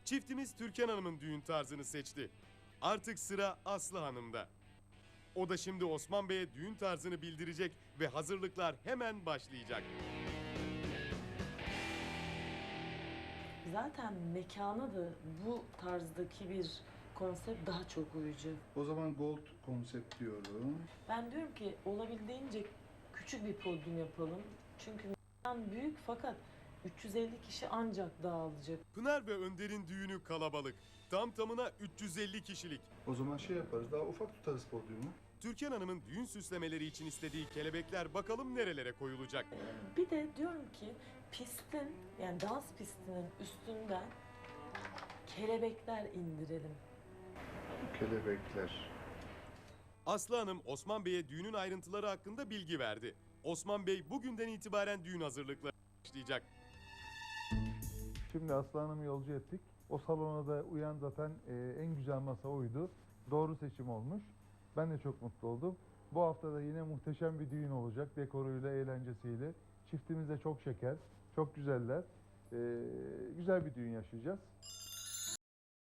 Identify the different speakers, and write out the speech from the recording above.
Speaker 1: Çiftimiz Türkan Hanım'ın düğün tarzını seçti. Artık sıra Aslı Hanım'da. O da şimdi Osman Bey'e düğün tarzını bildirecek ve hazırlıklar hemen başlayacak.
Speaker 2: Zaten mekana da bu tarzdaki bir konsept daha çok uyucu.
Speaker 3: O zaman gold konsept diyorum.
Speaker 2: Ben diyorum ki olabildiğince küçük bir podyum yapalım. Çünkü mekan büyük fakat 350 kişi ancak dağılacak.
Speaker 1: Pınar ve Önder'in düğünü kalabalık. Tam tamına 350 kişilik.
Speaker 3: O zaman şey yaparız, daha ufak tutarız podyumu.
Speaker 1: Türkan Hanım'ın düğün süslemeleri için istediği kelebekler bakalım nerelere koyulacak.
Speaker 2: Bir de diyorum ki pistin yani dans pistinin üstünden kelebekler indirelim.
Speaker 3: Kelebekler.
Speaker 1: Aslı Hanım Osman Bey'e düğünün ayrıntıları hakkında bilgi verdi. Osman Bey bugünden itibaren düğün hazırlıkları başlayacak.
Speaker 4: Şimdi Aslı Hanım'ı yolcu ettik. O salona da uyan zaten en güzel masa oydu. Doğru seçim olmuş. Ben de çok mutlu oldum. Bu hafta da yine muhteşem bir düğün olacak. Dekoruyla, eğlencesiyle. Çiftimiz de çok şeker, çok güzeller. Güzel bir düğün yaşayacağız.